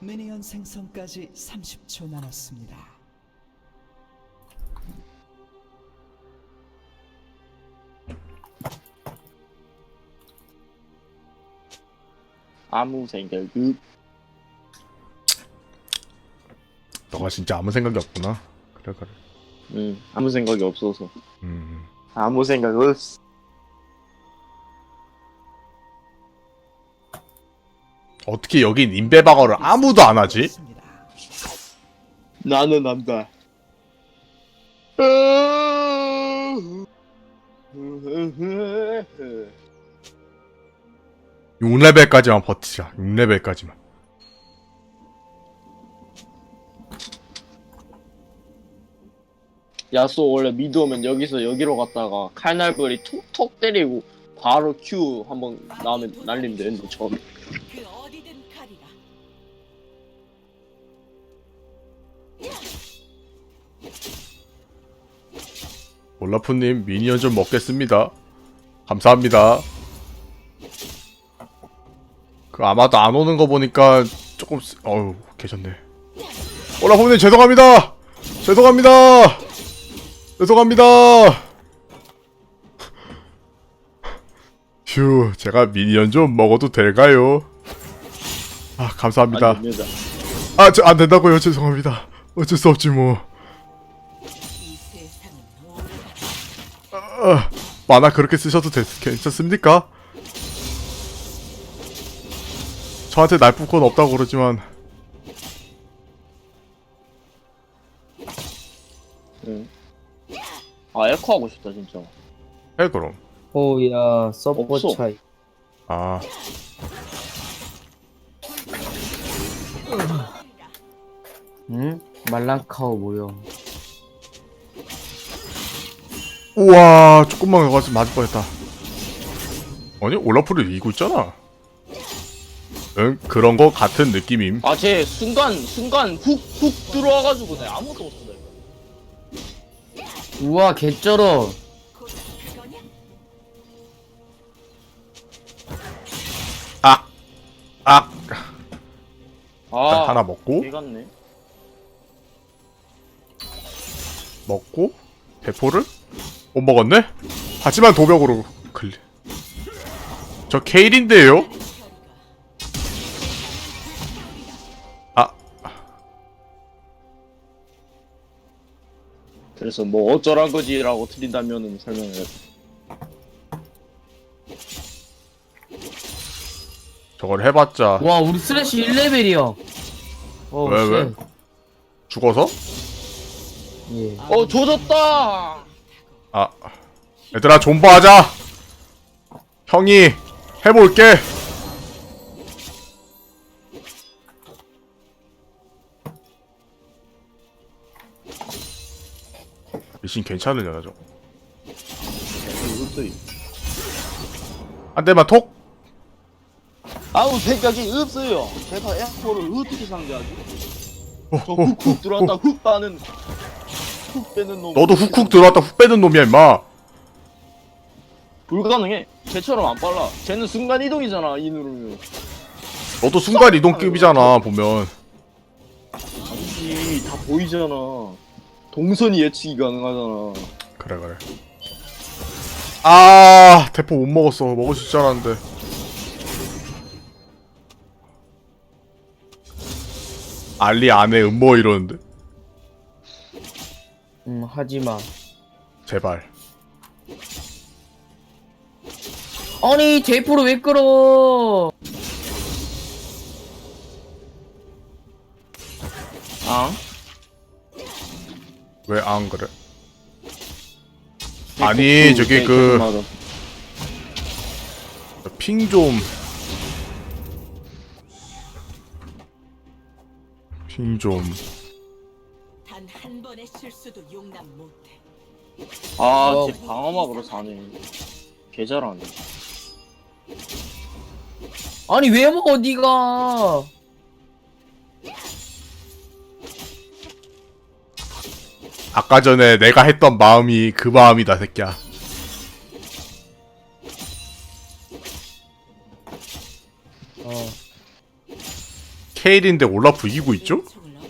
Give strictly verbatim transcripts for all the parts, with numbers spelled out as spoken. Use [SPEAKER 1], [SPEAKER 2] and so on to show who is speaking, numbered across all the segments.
[SPEAKER 1] 미니언 생성까지 삼십 초 남았습니다.
[SPEAKER 2] 아무 생각 그
[SPEAKER 3] 너가 진짜 아무 생각이 없구나. 그래 그래.
[SPEAKER 2] 응, 아무 생각이 없어서
[SPEAKER 3] 음.
[SPEAKER 2] 아무 생각 없어.
[SPEAKER 3] 어떻게 여긴 인베방어를 아무도 안 하지?
[SPEAKER 2] 나는 안다.
[SPEAKER 3] 육 레벨까지만 버티자. 육 레벨까지만.
[SPEAKER 2] 야쏘 원래 미드 오면 여기서 여기로 갔다가 칼날벌이 톡톡 때리고 바로 Q 한번 나오면 날리면 되는데 처음에.
[SPEAKER 4] 그 어디든 가리라.
[SPEAKER 3] 올라프님 미니언 좀 먹겠습니다. 감사합니다. 그 아마도 안 오는 거 보니까 조금 쓰... 어우 계셨네. 올라프님 죄송합니다. 죄송합니다. 죄송합니다. 휴, 제가 미니언 좀 먹어도 될까요? 아 감사합니다.
[SPEAKER 2] 안 됩니다.
[SPEAKER 3] 아 저 안 된다고요. 죄송합니다. 어쩔 수 없지 뭐.
[SPEAKER 4] 이 세상은 오래
[SPEAKER 3] 아, 만화 그렇게 쓰셔도 됐, 괜찮습니까? 저한테 나쁠 건 없다고 그러지만
[SPEAKER 2] 응. 아 에코 하고 싶다 진짜.
[SPEAKER 3] 해 그럼.
[SPEAKER 5] 오야 서포
[SPEAKER 2] 없어.
[SPEAKER 5] 차이.
[SPEAKER 3] 아
[SPEAKER 5] 응? 말랑카오 뭐야?
[SPEAKER 3] 우와 조금만 가서 맞을 뻔했다. 아니 올라프를 이기고 있잖아. 응 그런 거 같은 느낌임.
[SPEAKER 2] 아 쟤 순간 순간 훅 훅 들어와가지고 내가 아무것도 못한다.
[SPEAKER 5] 우와 개쩔어.
[SPEAKER 4] 그거냐?
[SPEAKER 3] 악! 악!
[SPEAKER 2] 아
[SPEAKER 3] 하나 먹고
[SPEAKER 2] 개 같네.
[SPEAKER 3] 먹고 대포를 못 먹었네? 하지만 도벽으로 클리. 저 케일인데요? 아
[SPEAKER 2] 그래서 뭐 어쩌란 거지라고 틀린다면은 설명을 해.
[SPEAKER 3] 저걸 해봤자
[SPEAKER 5] 와 우리 스래시 일 레벨이야. 어,
[SPEAKER 3] 왜, 왜?
[SPEAKER 5] 쉣.
[SPEAKER 3] 죽어서?
[SPEAKER 5] 예.
[SPEAKER 2] 어 조졌다.
[SPEAKER 3] 아 얘들아 존버하자. 형이 해볼게. 미신 괜찮으냐 저거. 한 대만 톡.
[SPEAKER 2] 아무 생각이 없어요. 제가 에코를 어떻게 상대하지?
[SPEAKER 3] 어,
[SPEAKER 2] 저
[SPEAKER 3] 어,
[SPEAKER 2] 훅훅
[SPEAKER 3] 어,
[SPEAKER 2] 들어왔다
[SPEAKER 3] 어.
[SPEAKER 2] 훅 빠는 훅 빼는 놈.
[SPEAKER 3] 너도 훅훅 들어왔다 훅 빼는 놈이야 임마.
[SPEAKER 2] 불가능해. 쟤처럼 안 빨라. 쟤는 순간 이동이잖아. 이 누르면.
[SPEAKER 3] 너도 순간 이동급이잖아 보면.
[SPEAKER 2] 아니지 다 보이잖아. 동선이 예측이 가능하잖아.
[SPEAKER 3] 그래 그래. 아 대포 못 먹었어. 먹을 수 있지 않았는데. 알리 안에 음모 이러는데.
[SPEAKER 5] 음 하지마.
[SPEAKER 3] 제발.
[SPEAKER 5] 아니 제이프로 왜 끌어?
[SPEAKER 2] 아?
[SPEAKER 3] 왜 안 그래? 아니 저기 그 핑 좀. 핑 좀.
[SPEAKER 4] 단 한 번의 실수도 용납 못해.
[SPEAKER 2] 아,
[SPEAKER 5] 어.
[SPEAKER 2] 쟤 방어막으로 사네. 개 잘하네.
[SPEAKER 5] 아니 왜 먹어 니가?
[SPEAKER 3] 아까 전에 내가 했던 마음이 그 마음이다 새끼야.
[SPEAKER 5] 어.
[SPEAKER 3] 케일인데 올라프 이기고 있죠?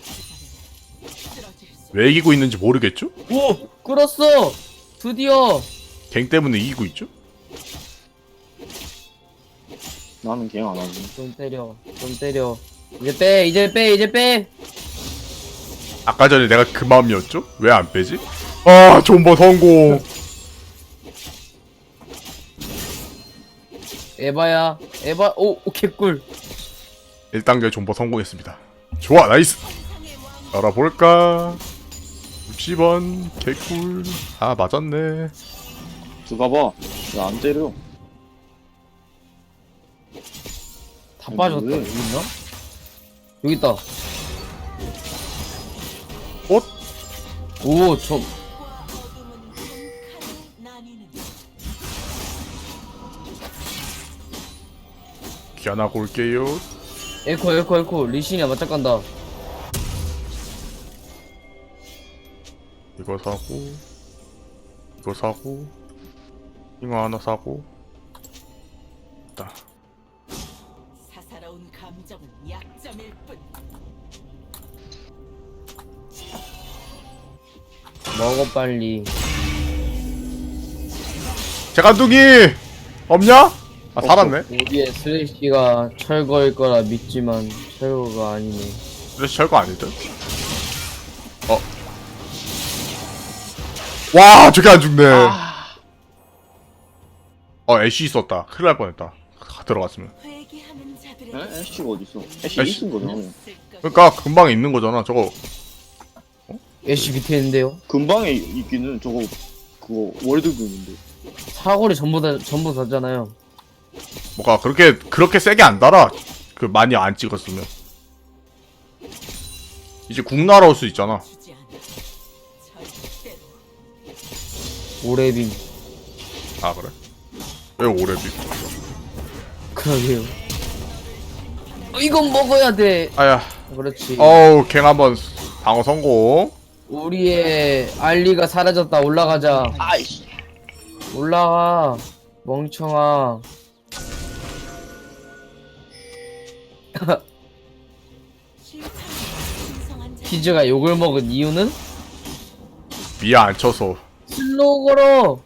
[SPEAKER 3] 왜 이기고 있는지 모르겠죠?
[SPEAKER 5] 오! 끌었어! 드디어!
[SPEAKER 3] 갱 때문에 이기고 있죠?
[SPEAKER 2] 나는 갱 안 하지.
[SPEAKER 5] 좀 때려. 좀 때려. 이제 빼! 이제 빼! 이제 빼!
[SPEAKER 3] 아까 전에 내가 그 마음이었죠? 왜 안 빼지? 아, 존버 성공.
[SPEAKER 5] 에바야. 에바, 오, 오, 개꿀.
[SPEAKER 3] 일 단계 존버 성공했습니다. 좋아, 나이스. 알아볼까? 육십 원 개꿀. 아, 맞았네.
[SPEAKER 2] 들어가봐. 왜 안 때려?
[SPEAKER 5] 다
[SPEAKER 2] 아니,
[SPEAKER 5] 빠졌다.
[SPEAKER 2] 왜?
[SPEAKER 5] 여기 있나? 여기 있다.
[SPEAKER 3] 꽃?
[SPEAKER 5] 오, 저,
[SPEAKER 3] 귀환하고 올게요.
[SPEAKER 5] 에코, 에코, 에코. 리신이야, 맞짱 간다.
[SPEAKER 3] 이거 사고, 이거 사고, 이거 하나 사고. 딱.
[SPEAKER 4] 사사로운 감정은 약점일 뿐.
[SPEAKER 5] 먹어, 빨리.
[SPEAKER 3] 재간둥이 없냐? 아, 살았네.
[SPEAKER 5] 우리의 슬래시가 철거일 거라 믿지만 철거가 아니네.
[SPEAKER 3] 그래서 별거 아니죠? 어. 와, 저게 안 죽네. 어, 애쉬 있었다. 큰일 날 뻔했다. 들어갔으면.
[SPEAKER 4] 회개하는 자들의
[SPEAKER 2] 에? 애쉬가 어딨어? 애쉬
[SPEAKER 3] 애쉬?
[SPEAKER 2] 있은 거잖아.
[SPEAKER 3] 그러니까 금방 있는 거잖아. 저거
[SPEAKER 5] 애쉬 밑에 있는데요.
[SPEAKER 2] 근방에 있기는 저거 그거 월드금인데.
[SPEAKER 5] 사거리 전부 다 전부 다잖아요.
[SPEAKER 3] 뭐가 그렇게 그렇게 세게 안 달아. 그 많이 안 찍었으면. 이제 궁 날아올 수 있잖아.
[SPEAKER 4] 주지 않아. 절대로.
[SPEAKER 5] 오레빔.
[SPEAKER 3] 아, 그래? 왜 오래비?
[SPEAKER 5] 그러게요. 어, 이건 먹어야 돼.
[SPEAKER 3] 아야.
[SPEAKER 5] 그렇지.
[SPEAKER 3] 어우, 갱 한번 방어 성공.
[SPEAKER 5] 우리의 알리가 사라졌다. 올라가자.
[SPEAKER 2] 아이씨.
[SPEAKER 5] 올라가. 멍청아.
[SPEAKER 4] 신성한 자.
[SPEAKER 5] 키즈가 욕을 먹은 이유는
[SPEAKER 3] 미아 안 쳐서.
[SPEAKER 5] 슬로우 걸어.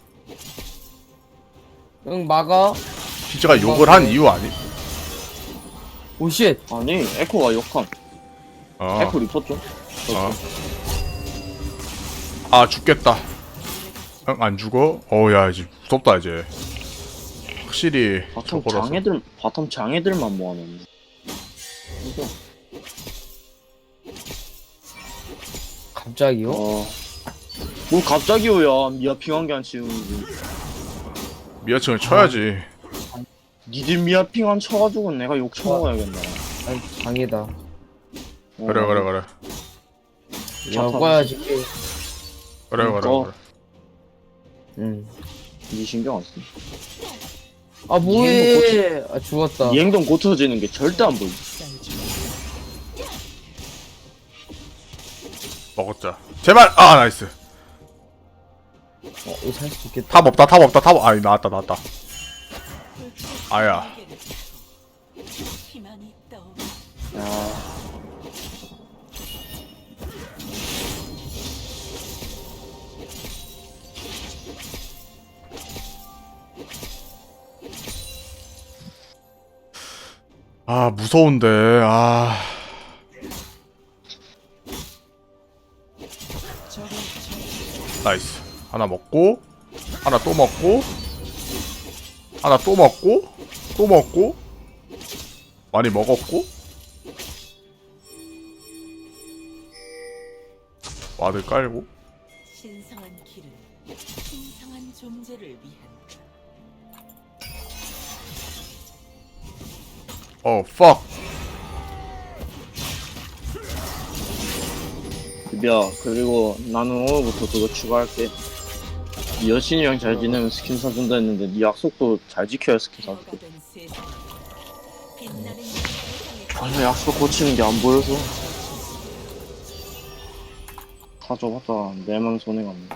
[SPEAKER 5] 응, 막아.
[SPEAKER 3] 피즈가 욕을 한 이유 아니?
[SPEAKER 5] 오쉣.
[SPEAKER 2] 아니 에코가 역한.
[SPEAKER 3] 어.
[SPEAKER 2] 에코 리포트.
[SPEAKER 3] 어. 아, 죽겠다. 응, 안 죽어? 어우, 야, 이제 무섭다, 이제. 확실히
[SPEAKER 2] 바텀
[SPEAKER 3] 저거라서.
[SPEAKER 2] 장애들 바텀 장애들만 모아놓네. 이거.
[SPEAKER 5] 갑자기요?
[SPEAKER 2] 어. 뭐 갑자기요야 미아 핑한 게 안 치우는지.
[SPEAKER 3] 미아층을 쳐야지.
[SPEAKER 2] 니들 미아 핑한 쳐가지고 내가 욕 쳐먹어야겠네.
[SPEAKER 5] 아니, 장애다.
[SPEAKER 2] 어.
[SPEAKER 3] 그래, 그래, 그래.
[SPEAKER 5] 먹어야지.
[SPEAKER 3] 그래, 그래,
[SPEAKER 2] 그러니까.
[SPEAKER 3] 그래.
[SPEAKER 5] 응.
[SPEAKER 2] 니 신경 안 써.
[SPEAKER 5] 아, 뭐해. 아, 죽었다.
[SPEAKER 2] 이 행동 고쳐지는 게 절대 안 보이.
[SPEAKER 3] 먹었자. 제발! 아, 나이스.
[SPEAKER 5] 어, 이거 살 수 있겠다.
[SPEAKER 3] 탑 없다, 탑 없다, 탑. 아니, 나왔다, 나왔다. 아야.
[SPEAKER 4] 희망이 떠오르.
[SPEAKER 2] 야.
[SPEAKER 3] 아, 무서운데. 아.
[SPEAKER 1] 적을
[SPEAKER 3] 나이스. 하나 먹고, 하나 또 먹고, 하나 또 먹고, 또 먹고, 많이 먹었고, 와드 깔고.
[SPEAKER 4] 신성한 길은 신성한 존재를 위한.
[SPEAKER 3] 어, fuck.
[SPEAKER 2] 야, 그리고 나는 오늘부터 그거 추가할게. 니 여신이랑 잘 지내면 스킨 사준다 했는데 니 약속도 잘 지켜야 스킨 사줄게.
[SPEAKER 4] 너가 된 세상. 빛나는
[SPEAKER 2] 아니 약속 고치는 게 안 보여서 다 줘봤다 내만 손해갔네.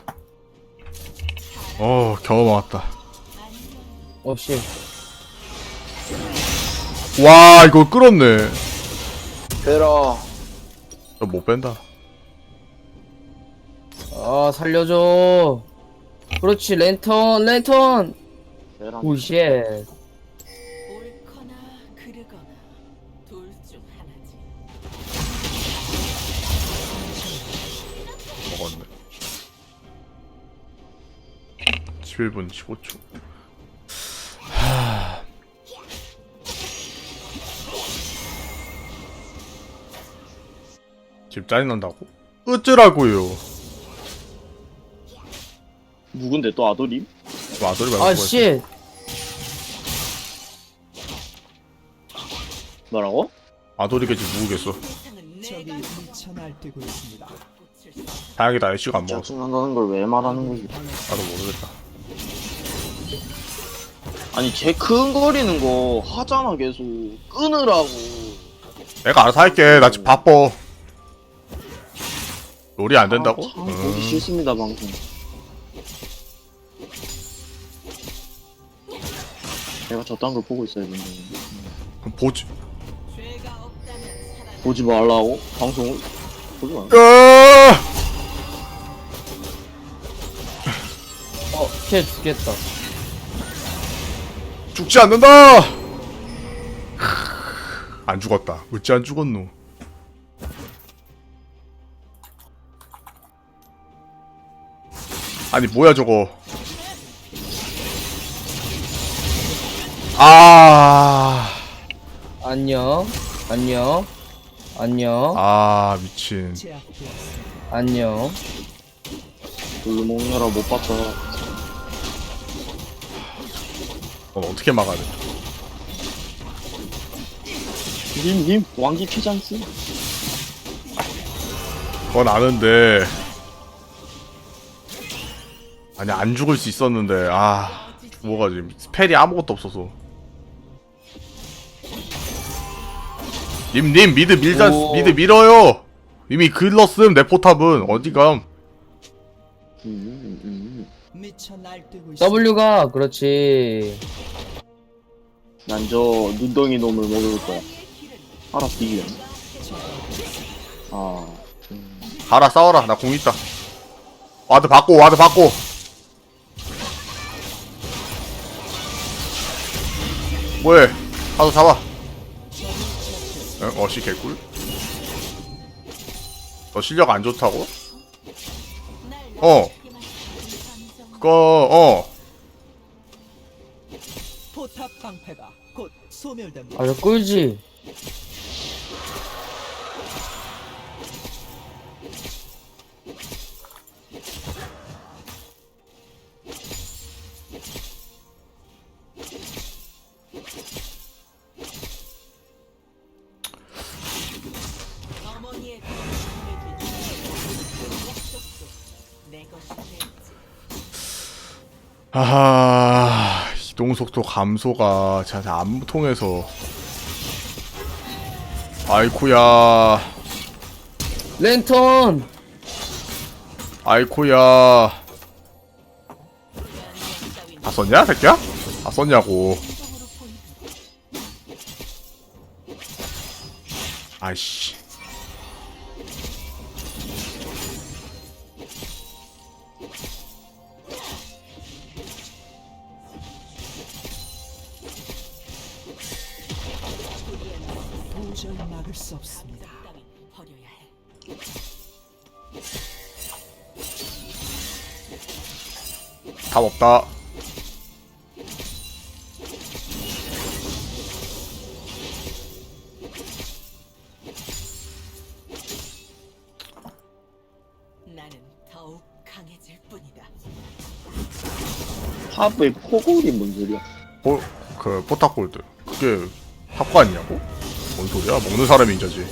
[SPEAKER 3] 어, 겨우 먹었다.
[SPEAKER 5] 어, 씨.
[SPEAKER 3] 와, 이거 끌었네.
[SPEAKER 2] 빼라.
[SPEAKER 3] 너 못 뺀다.
[SPEAKER 5] 아 살려줘. 그렇지 랜턴 랜턴.
[SPEAKER 2] 빼라.
[SPEAKER 5] 오쉣.
[SPEAKER 4] 옳거나 그르거나 둘 중 하나지.
[SPEAKER 3] 먹었네. 십일 분 십오 초. 하... 지금 짜증난다고? 어쩌라고요?
[SPEAKER 2] 누군데 또 아도림?
[SPEAKER 3] 뭐 아들이 말고
[SPEAKER 5] 아 쉣.
[SPEAKER 2] 뭐라고?
[SPEAKER 3] 아돌이겠지 누구겠어.
[SPEAKER 4] 세상은
[SPEAKER 1] 적이
[SPEAKER 4] 내가
[SPEAKER 1] 미쳐 날뛰고 있습니다.
[SPEAKER 4] 붙일 수
[SPEAKER 3] 다행이다 애쉬가 안 먹었어.
[SPEAKER 2] 짜증난다는 걸 왜 말하는 거지?
[SPEAKER 3] 나도 모르겠다.
[SPEAKER 2] 아니 쟤 큰거리는 거 하잖아 계속. 끊으라고.
[SPEAKER 3] 내가 알아서 할게. 나 지금 바빠. 롤이 안 된다고?
[SPEAKER 2] 아, 참 보기
[SPEAKER 3] 음.
[SPEAKER 2] 싫습니다 방송. 내가 저딴 걸 보고 있어야 되는데.
[SPEAKER 3] 그럼 보지.
[SPEAKER 4] 죄가 없다면 살아.
[SPEAKER 2] 보지 말라고? 방송을? 보지 마.
[SPEAKER 3] 으아!
[SPEAKER 5] 어쉣 죽겠다.
[SPEAKER 3] 죽지 않는다. 안 죽었다. 어찌 안 죽었노? 아니 뭐야 저거? 아,
[SPEAKER 5] 안녕 안녕 안녕
[SPEAKER 3] 아 미친.
[SPEAKER 1] 제압되었습니다.
[SPEAKER 5] 안녕.
[SPEAKER 2] 별로 먹느라 못 봤다.
[SPEAKER 3] 넌 어떻게 막아야 돼?
[SPEAKER 2] 님, 님, 왕기 피장스?
[SPEAKER 3] 그건 아는데. 아니 안 죽을 수 있었는데 아 죽어가지고 스펠이 아무것도 없어서. 님, 님 미드 밀자.
[SPEAKER 2] 오.
[SPEAKER 3] 미드 밀어요. 이미 글렀음 내 포탑은 어디감?
[SPEAKER 2] 음, 음.
[SPEAKER 1] 미쳐 날뛰고 있습니다.
[SPEAKER 5] W가 그렇지.
[SPEAKER 2] 난 저 눈덩이 놈을 먹을 거야. 알아서 이겨. 아, 음.
[SPEAKER 3] 가라 싸워라. 나 공 있다. 와드 받고 와드 받고. 뭐해? 가서 잡아. 응? 어시 개꿀? 너 실력 안 좋다고? 어. 그거 어.
[SPEAKER 1] 포탑 방패가 곧 소멸됩니다.
[SPEAKER 5] 아주 꿀지.
[SPEAKER 4] 어머니의 거짓말을 뒤집어 약속도 내 것이 됐지.
[SPEAKER 3] 하하 이동속도 감소가 잘 안 통해서. 아이쿠야
[SPEAKER 5] 랜턴.
[SPEAKER 3] 아이쿠야. 다 썼냐 새끼야? 다 썼냐고. 아이씨.
[SPEAKER 1] 도저히 막을 수 없습니다.
[SPEAKER 4] 따윈 버려야 해.
[SPEAKER 3] 답 없다.
[SPEAKER 4] 나는 더욱 강해질 뿐이다.
[SPEAKER 2] 탑의 포골이 뭔 소리야?
[SPEAKER 3] 어, 그 포탑골드 그게 탑거 아니냐고? 뭔 소리야? 먹는 사람이 인자지.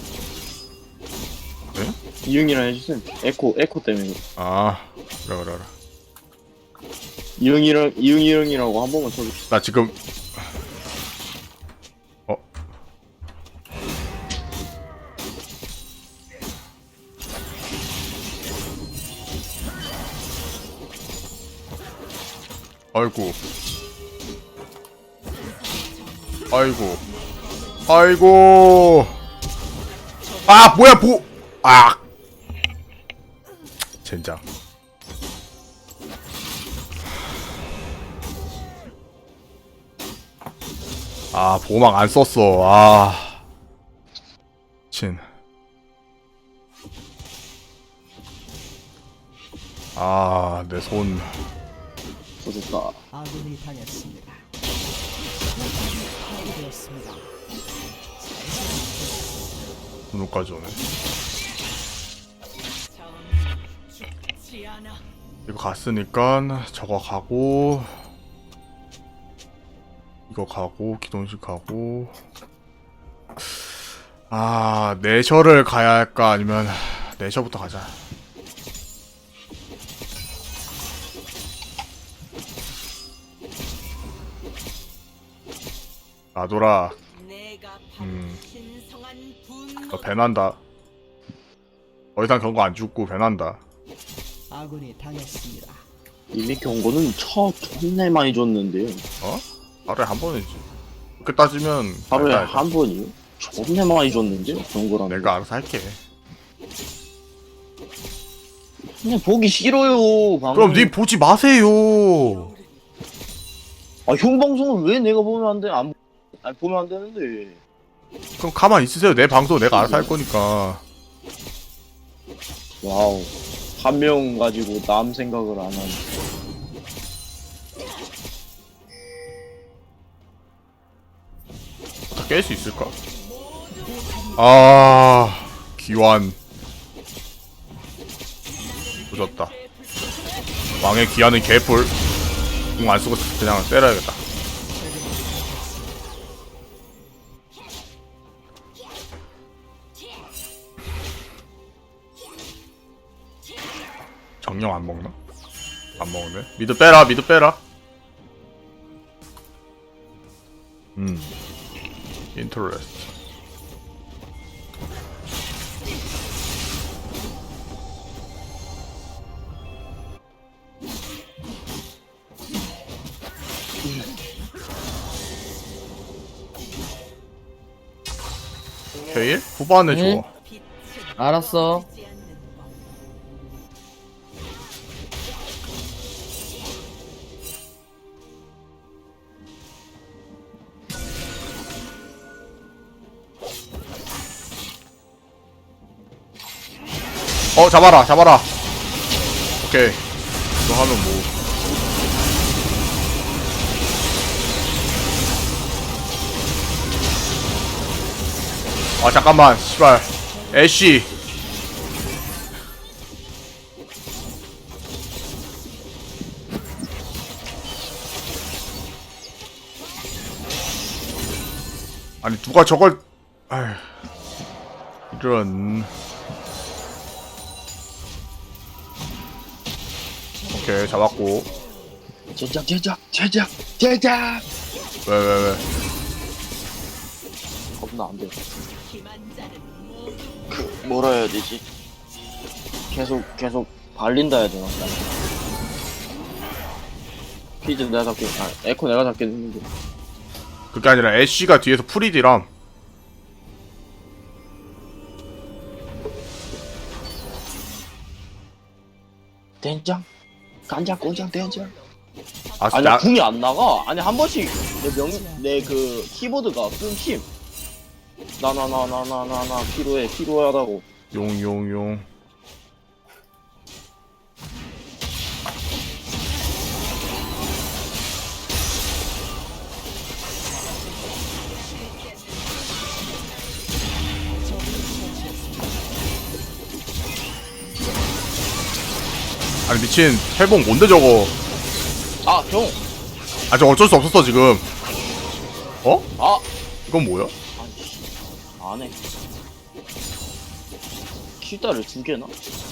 [SPEAKER 2] 이응이랑 해주세요. 에코, 에코 때문에. 그래.
[SPEAKER 3] 아 그래 그래 그래.
[SPEAKER 2] 이응이랑, 이응이랑이라고 한 번만 쳐줘.
[SPEAKER 3] 나 지금 어 아이고 아이고 아이고 아 뭐야 보. 아. 젠장. 아 보호막 안 썼어. 아. 친. 아, 내 손.
[SPEAKER 2] 부졌다.
[SPEAKER 1] 아군이 당했습니다. 파괴되었습니다.
[SPEAKER 3] 눈까지 오네.
[SPEAKER 4] 죽지 않아.
[SPEAKER 3] 이거 갔으니까 저거 가고 이거 가고 기동식 가고 아 내셔를 가야 할까 아니면 내셔부터 가자. 나돌아
[SPEAKER 4] 내가 바로
[SPEAKER 3] 음.
[SPEAKER 4] 신성한 분노.
[SPEAKER 3] 너 배난다. 더 이상 경고 안 죽고 배난다.
[SPEAKER 1] 아군이 당했습니다.
[SPEAKER 2] 이미 경고는 첫 존내 많이 줬는데요.
[SPEAKER 3] 어? 하루에 한 번이지. 그렇게 따지면
[SPEAKER 2] 하루에
[SPEAKER 3] 알다, 알다.
[SPEAKER 2] 한 번이요? 존내 많이 줬는데요, 경고라는.
[SPEAKER 3] 내가 알아서 할게.
[SPEAKER 2] 그냥 보기 싫어요. 방송.
[SPEAKER 3] 그럼 니 보지 마세요.
[SPEAKER 2] 아, 형 방송을 왜 내가 보면 안 돼? 안 아니, 보면 안 되는데.
[SPEAKER 3] 그럼 가만 있으세요. 내 방송 내가 알아서 할 거니까.
[SPEAKER 2] 와우. 한 명 가지고 남 생각을 안 하네.
[SPEAKER 3] 다 깰 수 있을까? 아 기완 조졌다. 왕의 기한은 개뿔. 공 안 쓰고 그냥 때려야겠다. 정령 안 먹나? 안 먹네. 미드 빼라, 미드 빼라. 음, 인터레스트. 케일? 후반에
[SPEAKER 5] 응?
[SPEAKER 3] 줘.
[SPEAKER 5] 알았어.
[SPEAKER 3] 어 잡아라 잡아라. 오케이 이거 하면 뭐 아 잠깐만 씨발 애쉬 아니 누가 저걸 아휴 이런. 오케이 잡았고.
[SPEAKER 2] 제작, 제작, 제작, 제작!
[SPEAKER 3] 왜 왜 왜?
[SPEAKER 2] 겁나 안 돼.
[SPEAKER 4] 기만자는 모두
[SPEAKER 2] 그, 뭐라 해야 되지? 계속, 계속 발린다 해야 되나? 피즈 내가 잡게, 아, 에코 내가 잡게 했는데.
[SPEAKER 3] 그게 아니라 애쉬가 뒤에서 프리디람.
[SPEAKER 2] 된장? 간장, 고장, 된장?
[SPEAKER 3] 아,
[SPEAKER 2] 아니,
[SPEAKER 3] 나,
[SPEAKER 2] 궁이 안 나가. 아니, 한 번씩 내 명, 내 그 키보드가 끊김. 나, 나, 나, 나, 나, 나, 나, 필요해, 필요하다고.
[SPEAKER 3] 용, 용, 용. 아니 미친 회복 뭔데 저거?
[SPEAKER 2] 아, 형!
[SPEAKER 3] 아 저 어쩔 수 없었어 지금. 어?
[SPEAKER 2] 아!
[SPEAKER 3] 이건 뭐야?
[SPEAKER 2] 아니, 씨. 안 해. 킬다를 두 개나?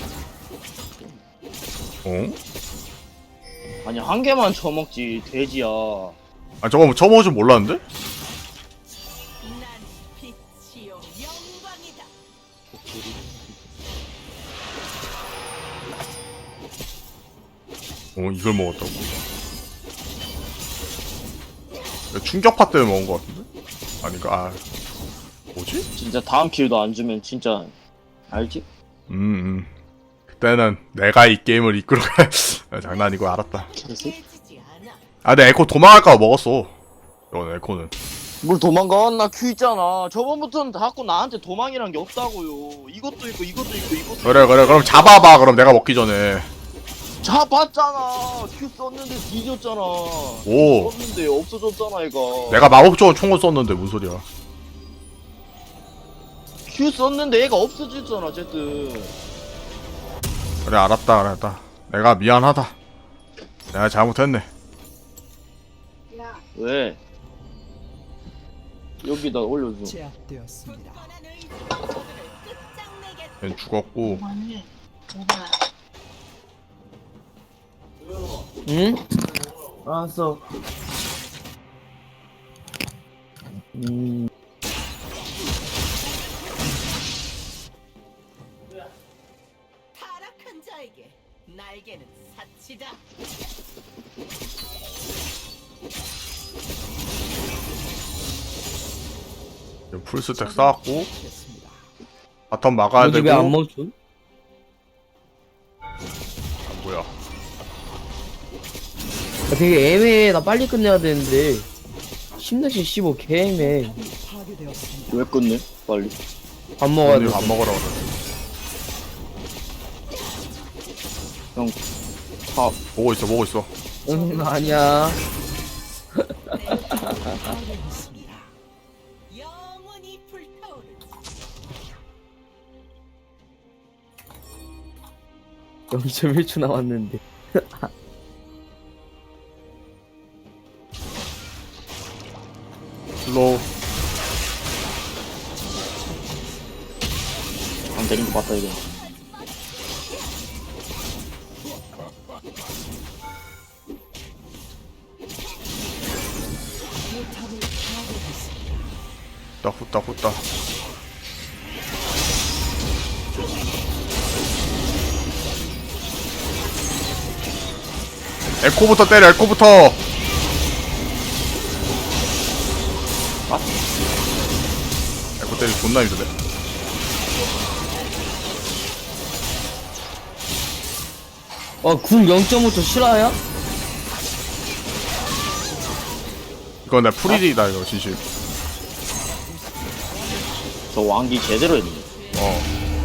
[SPEAKER 3] 어?
[SPEAKER 2] 아니, 한 개만 쳐먹지, 돼지야.
[SPEAKER 3] 아 저거 뭐 처음 줄 몰랐는데?
[SPEAKER 4] 난 빛이요 영광이다.
[SPEAKER 3] 어 이걸 먹었다고? 이거 충격파 때문에 먹은 것 같은데? 아닌가? 아 뭐지?
[SPEAKER 2] 진짜 다음 킬도 안 주면 진짜 알지?
[SPEAKER 3] 음, 음. 그때는 내가 이 게임을 이끌어갈 장난이고 알았다.
[SPEAKER 2] 개새?
[SPEAKER 4] 깨지지 않아.
[SPEAKER 3] 아 근데 에코 도망갈까 봐 먹었어. 이건 에코는.
[SPEAKER 2] 뭘 도망가? 나 큐 있잖아. 저번부터는 자꾸 나한테 도망이란 게 없다고요. 이것도 있고 이것도 있고 이것도
[SPEAKER 3] 그래
[SPEAKER 2] 있고.
[SPEAKER 3] 그래 그럼 잡아봐. 그럼 내가 먹기 전에.
[SPEAKER 2] 잡았잖아. 큐 썼는데 뒤졌잖아.
[SPEAKER 3] 오.
[SPEAKER 2] 썼는데 없어졌잖아 이거.
[SPEAKER 3] 내가 마법적으로 총을 썼는데 무슨 소리야?
[SPEAKER 2] 큐 썼는데 얘가 없어졌잖아 어쨌든.
[SPEAKER 3] 그래 알았다 알았다. 내가 미안하다. 내가 잘못했네.
[SPEAKER 2] 왜? 여기다 올려줘.
[SPEAKER 1] 제압되었습니다.
[SPEAKER 4] 굳건한 의지로 모두를 끝장내겠다.
[SPEAKER 3] 얜 죽었고.
[SPEAKER 5] 응? 알았어. 음.
[SPEAKER 4] 타락한 자에게 날개는 사치다.
[SPEAKER 3] 풀스택 쌓았고
[SPEAKER 1] 됐습니다.
[SPEAKER 3] 바텀 막아야
[SPEAKER 5] 뭐지
[SPEAKER 3] 되고.
[SPEAKER 5] 왜안 멈춰?
[SPEAKER 3] 아, 뭐야?
[SPEAKER 5] 야, 되게 애매해. 나 빨리 끝내야 되는데. 십내시 십오 개 애매해.
[SPEAKER 1] 탑이 파괴되었습니다.
[SPEAKER 2] 왜 끝내? 빨리.
[SPEAKER 5] 밥 먹어야
[SPEAKER 3] 오늘
[SPEAKER 5] 돼.
[SPEAKER 3] 밥 먹으라 그래.
[SPEAKER 2] 형. 밥.
[SPEAKER 3] 보고 있어 보고 있어.
[SPEAKER 5] 응 아니야.
[SPEAKER 1] 파괴했습니다.
[SPEAKER 4] 영원히 불타오르는
[SPEAKER 5] 영 점 일 초 남았는데.
[SPEAKER 3] 슬로우.
[SPEAKER 2] 안 되는 거 봤다 이거.
[SPEAKER 1] 탑을 파괴했습니다.
[SPEAKER 3] 후딱 후딱 후딱. 에코부터 때려 에코부터.
[SPEAKER 2] 아?
[SPEAKER 3] 에코 때리 존나 힘드네.
[SPEAKER 5] 어, 궁 영 점 오 초 실화야?
[SPEAKER 3] 이건 내 프리디다 이거 진심.
[SPEAKER 2] 저 왕기 제대로 했네.
[SPEAKER 3] 어.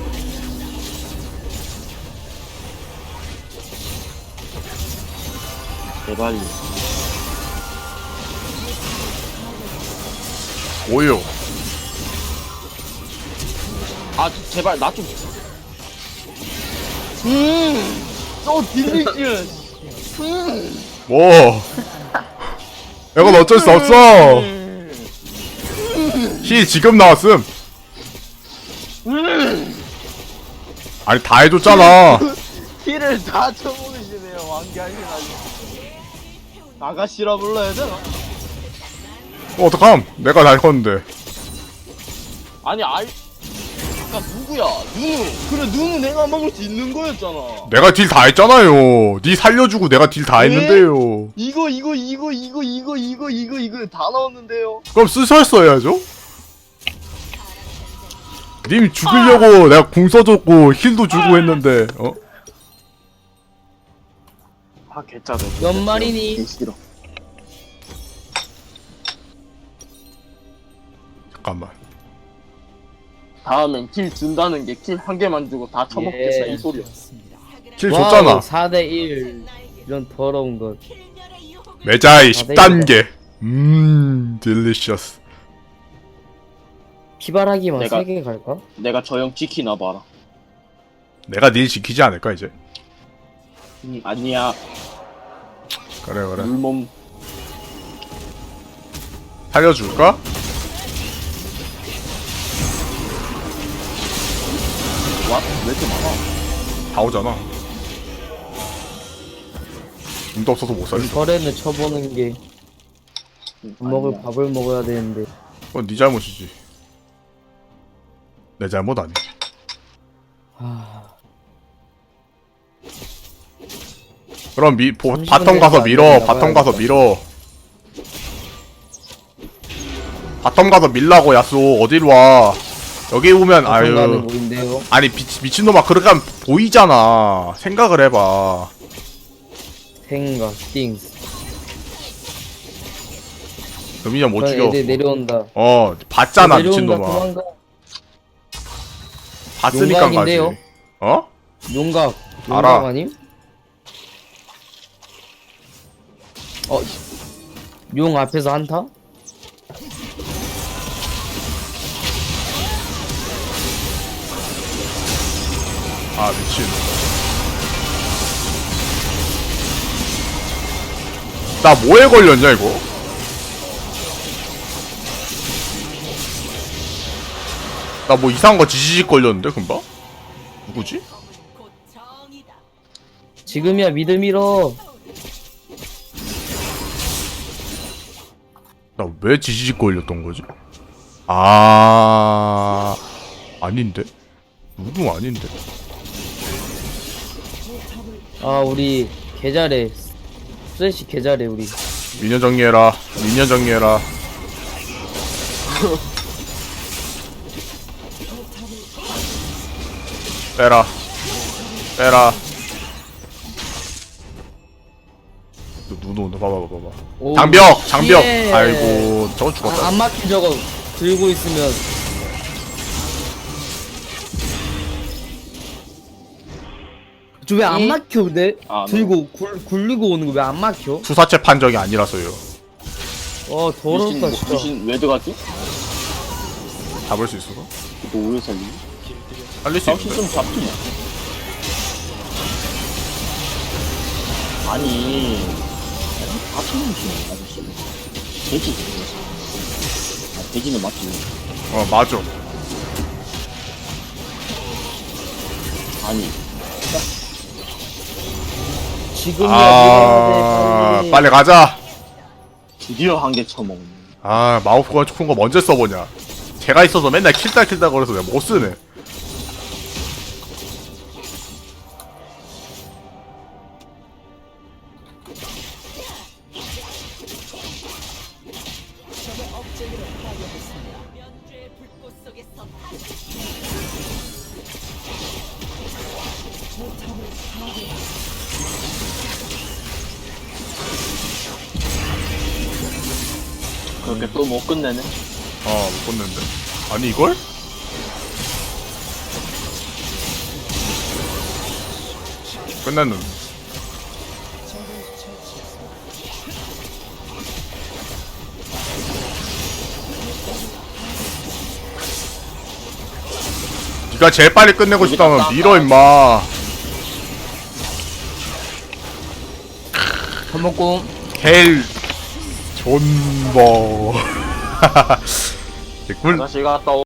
[SPEAKER 2] 제발.
[SPEAKER 3] 오요.
[SPEAKER 2] 아 제발 나 좀. 음. 또 딜리지. 음.
[SPEAKER 3] 뭐? 이건 어쩔 수 없어. 힐 지금 나왔음. 아니 다 해줬잖아.
[SPEAKER 2] 힐을 다 쳐먹으시네요 왕기 하시나요? 아가씨라 불러야 되나?
[SPEAKER 3] 어, 어떡함? 내가 날 컸는데.
[SPEAKER 2] 아니 알. 아까 누구야? 누누. 그래 누누 내가 먹을 수 있는 거였잖아.
[SPEAKER 3] 내가 딜 다 했잖아요. 니 살려주고 내가 딜 다
[SPEAKER 2] 네?
[SPEAKER 3] 했는데요.
[SPEAKER 2] 이거 이거 이거 이거 이거 이거 이거 이거 다 나왔는데요.
[SPEAKER 3] 그럼 쓰셨어야죠? 님 죽이려고 내가 궁 써줬고 힐도 주고 했는데 어?
[SPEAKER 2] 아 개짜네.
[SPEAKER 5] 연말이니?
[SPEAKER 2] 개 싫어.
[SPEAKER 3] 잠깐만.
[SPEAKER 2] 다음엔 킬 준다는 게 킬 한 개만 주고 다 처먹겠어
[SPEAKER 5] 예.
[SPEAKER 2] 이 소리야.
[SPEAKER 1] 되었습니다.
[SPEAKER 3] 킬 줬잖아.
[SPEAKER 5] 사 대 일. 이런 더러운 것.
[SPEAKER 4] 필멸의 유혹을
[SPEAKER 3] 매자이 십 단계. 음, 딜리셔스.
[SPEAKER 5] 피바라기만
[SPEAKER 2] 내가-
[SPEAKER 5] 세 개 갈까?
[SPEAKER 2] 내가 저 형 지키나 봐라.
[SPEAKER 3] 내가 닐 지키지 않을까 이제?
[SPEAKER 2] 음, 아니야.
[SPEAKER 3] 그래 그래.
[SPEAKER 2] 물몸.
[SPEAKER 3] 살려줄까?
[SPEAKER 2] 와? 왜 이렇게 많아?
[SPEAKER 3] 다 오잖아. 돈도 없어서 못 살려.
[SPEAKER 5] 거래는 쳐보는 게
[SPEAKER 2] 음,
[SPEAKER 5] 밥 먹을
[SPEAKER 2] 아니야.
[SPEAKER 5] 밥을 먹어야 되는데.
[SPEAKER 3] 그건 네 잘못이지. 내 잘못 아니.
[SPEAKER 5] 하...
[SPEAKER 3] 그럼 미 보,
[SPEAKER 5] 삼십 분
[SPEAKER 3] 바텀 가서
[SPEAKER 5] 내가
[SPEAKER 3] 밀어.
[SPEAKER 5] 나가야겠다.
[SPEAKER 3] 바텀 가서 밀어. 바텀 가서 밀라고 야쏘 어디로 와 여기 오면
[SPEAKER 5] 가는
[SPEAKER 3] 아유
[SPEAKER 5] 모인데요.
[SPEAKER 3] 아니 미, 미친놈아 그렇게 하면 보이잖아 생각을 해봐
[SPEAKER 5] 생각 띵.
[SPEAKER 3] 금이년 못
[SPEAKER 5] 저
[SPEAKER 3] 죽여
[SPEAKER 5] 애들 내려온다.
[SPEAKER 3] 어 봤잖아
[SPEAKER 5] 내려온다.
[SPEAKER 3] 미친놈아
[SPEAKER 5] 도망가.
[SPEAKER 3] 봤으니까 가지
[SPEAKER 5] 용각인데요?
[SPEAKER 3] 어?
[SPEAKER 5] 용각.
[SPEAKER 3] 알아.
[SPEAKER 5] 용각 아님? 어. 용 앞에서 한타?
[SPEAKER 3] 아 미친 나 뭐에 걸렸냐 이거? 나 뭐 이상한 거 지지직 걸렸는데 금방? 누구지?
[SPEAKER 4] 곧 정이다.
[SPEAKER 5] 지금이야 미드 밀어.
[SPEAKER 3] 나 왜 지지직 걸렸던 거지? 아 아닌데? 누구 아닌데?
[SPEAKER 5] 아 우리 개잘해. 쓰레쉬 개잘해 우리.
[SPEAKER 3] 미녀 정리해라 미녀 정리해라 빼라 빼라 또 누구 온다 봐봐 봐봐
[SPEAKER 5] 오,
[SPEAKER 3] 장벽 장벽
[SPEAKER 5] 예.
[SPEAKER 3] 아이고 저건 죽었다
[SPEAKER 5] 아, 안 막힌 저거 들고 있으면 저 왜 안 막혀 근데?
[SPEAKER 2] 아,
[SPEAKER 5] 들고 굴, 굴리고 오는 거 왜 안 막혀?
[SPEAKER 3] 투사체 판정이 아니라서요
[SPEAKER 5] 어
[SPEAKER 2] 미신,
[SPEAKER 5] 더럽다
[SPEAKER 2] 뭐,
[SPEAKER 5] 진짜.
[SPEAKER 2] 미신 왜 들어갔지?
[SPEAKER 3] 잡을 수 있어?
[SPEAKER 2] 또 오래 살리니?
[SPEAKER 3] 살릴 수
[SPEAKER 2] 당신
[SPEAKER 3] 있는데
[SPEAKER 2] 좀 잡히냐? 아니 같은 음식이네 아저씨 돼지 아, 돼지는 맞지
[SPEAKER 3] 어 맞아
[SPEAKER 2] 아니
[SPEAKER 5] 지금이야
[SPEAKER 3] 아
[SPEAKER 5] 밀어야 돼,
[SPEAKER 3] 빨리 가자
[SPEAKER 2] 드디어 한 개 쳐먹네
[SPEAKER 3] 아 마우스가 큰 거 언제 써보냐 제가 있어서 맨날 킬다 킬다 거려서 내가 못 쓰네
[SPEAKER 4] 면죄의 불꽃 속에서
[SPEAKER 2] 그렇게 또 못 끝내네
[SPEAKER 3] 어못 봤는데 아니 이걸? 끝났는데 니가 제일 빨리 끝내고 싶다면 밀어 임마
[SPEAKER 5] 밥 먹고
[SPEAKER 3] 헬 존버 개꿀
[SPEAKER 2] 다시 갔다 오